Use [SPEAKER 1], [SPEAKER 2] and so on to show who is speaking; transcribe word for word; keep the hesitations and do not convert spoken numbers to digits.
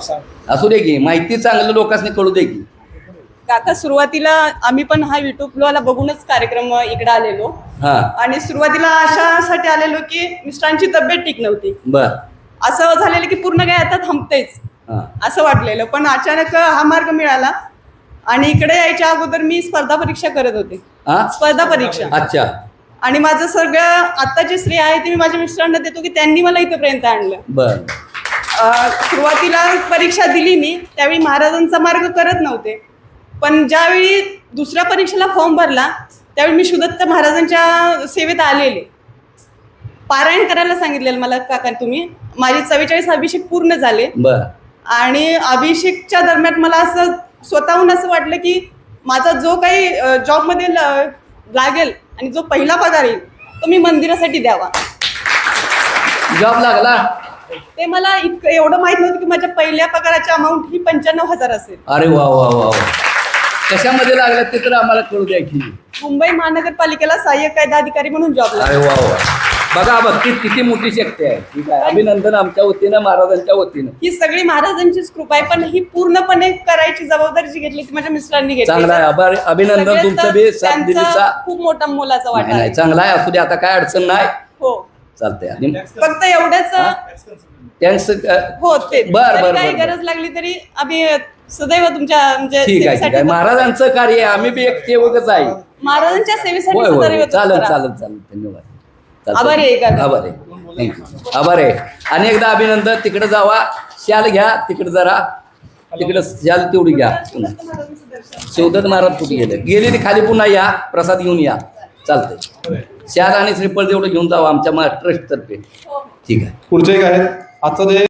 [SPEAKER 1] असू दे की माहिती चांगलं लोकांनी कळू दे की.
[SPEAKER 2] काका सुरुवातीला आम्ही पण हा युट्यूबला बघूनच कार्यक्रम इकडे आलेलो.
[SPEAKER 1] हा
[SPEAKER 2] आणि सुरुवातीला अशासाठी आलेलो की मिस्टरांची तब्येत ठीक नव्हती.
[SPEAKER 1] बर
[SPEAKER 2] असं झालेलं की पूर्ण काय आता थांबतेच
[SPEAKER 1] हा
[SPEAKER 2] असं वाटलेलं, पण अचानक हा मार्ग मिळाला. आणि इकडे यायच्या अगोदर मी स्पर्धा परीक्षा करत होते.
[SPEAKER 1] हा
[SPEAKER 2] स्पर्धा परीक्षा.
[SPEAKER 1] अच्छा
[SPEAKER 2] आणि माझं सगळं आत्ताची श्रेय आहे ते मी माझ्या मिस्टरांना देतो की त्यांनी मला इथपर्यंत आणलं.
[SPEAKER 1] बर
[SPEAKER 2] अं, सुरुवातीला परीक्षा दिली मी त्यावेळी महाराजांचा मार्ग करत नव्हते, पण ज्यावेळी दुसऱ्या परीक्षेला फॉर्म भरला त्यावेळी मी शुद्धत्त महाराजांच्या सेवेत आलेले. पारायण करायला सांगितलेलं मला काका तुम्ही. माझे चव्वेचाळीस अभिषेक पूर्ण झाले.
[SPEAKER 1] बर
[SPEAKER 2] आणि अभिषेकच्या दरम्यान मला असं स्वतःहून असं वाटलं की माझा जो काही जॉबमध्ये लागेल आणि जो पहिला पगार येईल तो मी मंदिरासाठी द्यावा.
[SPEAKER 1] जॉब लागला.
[SPEAKER 2] ते मला इतकं एवढं माहित नव्हतं की माझ्या पहिल्या पगाराची अमाऊंट ही पंच्याण्णव हजार असेल.
[SPEAKER 1] अरे वा वा वा वा. कशामध्ये लागलं ते तर आम्हाला कळू द्या की.
[SPEAKER 2] मुंबई महानगरपालिकेला सहाय्यक कायदा अधिकारी म्हणून जॉब
[SPEAKER 1] अरे
[SPEAKER 2] लागला.
[SPEAKER 1] वा वा. बघा भक्तीत किती मोठी शक्ती आहे. ठीक आहे, अभिनंदन आमच्या वतीनं महाराजांच्या वतीनं.
[SPEAKER 2] ही सगळी महाराजांचीच कृपा आहे, पण ही पूर्णपणे करायची जबाबदारी जी घेतली ती माझ्या मिस्टरांनी घेतली.
[SPEAKER 1] चांगला आहे. आभार अभिनंदन
[SPEAKER 2] सगळ्यात
[SPEAKER 1] तुमचं बी साथ
[SPEAKER 2] त्यांचा
[SPEAKER 1] दिलीचा.
[SPEAKER 2] खूप मोठा मोलाचा वाटा
[SPEAKER 1] नाही नाही
[SPEAKER 2] आहे.
[SPEAKER 1] चांगला आहे. असू दे आता काय अडचण नाही.
[SPEAKER 2] हो
[SPEAKER 1] चालतंय. आणि
[SPEAKER 2] फक्त एवढंच
[SPEAKER 1] त्यांचं
[SPEAKER 2] हो ते
[SPEAKER 1] बर,
[SPEAKER 2] जरी
[SPEAKER 1] बर,
[SPEAKER 2] काही
[SPEAKER 1] बर, बर.
[SPEAKER 2] गरज लागली तरी आम्ही सदैव तुमच्या म्हणजे
[SPEAKER 1] ठीक आहे ठीक आहे.
[SPEAKER 2] सेवेसाठी
[SPEAKER 1] महाराजांचं कार्य आहे. आम्ही बी एक सेवकच आहे.
[SPEAKER 2] महाराजांच्या सेवेसाठी
[SPEAKER 1] होय होय
[SPEAKER 2] सदैव
[SPEAKER 1] होय. चालेल
[SPEAKER 2] तत्पर
[SPEAKER 1] चालेल
[SPEAKER 2] आहात.
[SPEAKER 1] चालेल. धन्यवाद.
[SPEAKER 2] आभारी आहे
[SPEAKER 1] चालतंय.
[SPEAKER 2] का?
[SPEAKER 1] आभार आहे. थँक्यू. आभार आहे. आणि एकदा अभिनंदन. तिकडे जावा, शाल घ्या तिकडे जरा. तिकडे शाल तेवढी घ्या. शिवदत्त महाराज कुठे गेले गेले ते खाली पुन्हा या प्रसाद घेऊन या. चालतंय. शाल आणि श्रीफळ तेवढं घेऊन जावा आमच्या ट्रस्ट तर्फे. ठीक आहे.
[SPEAKER 3] पुढचे एक आहेत आजचा जे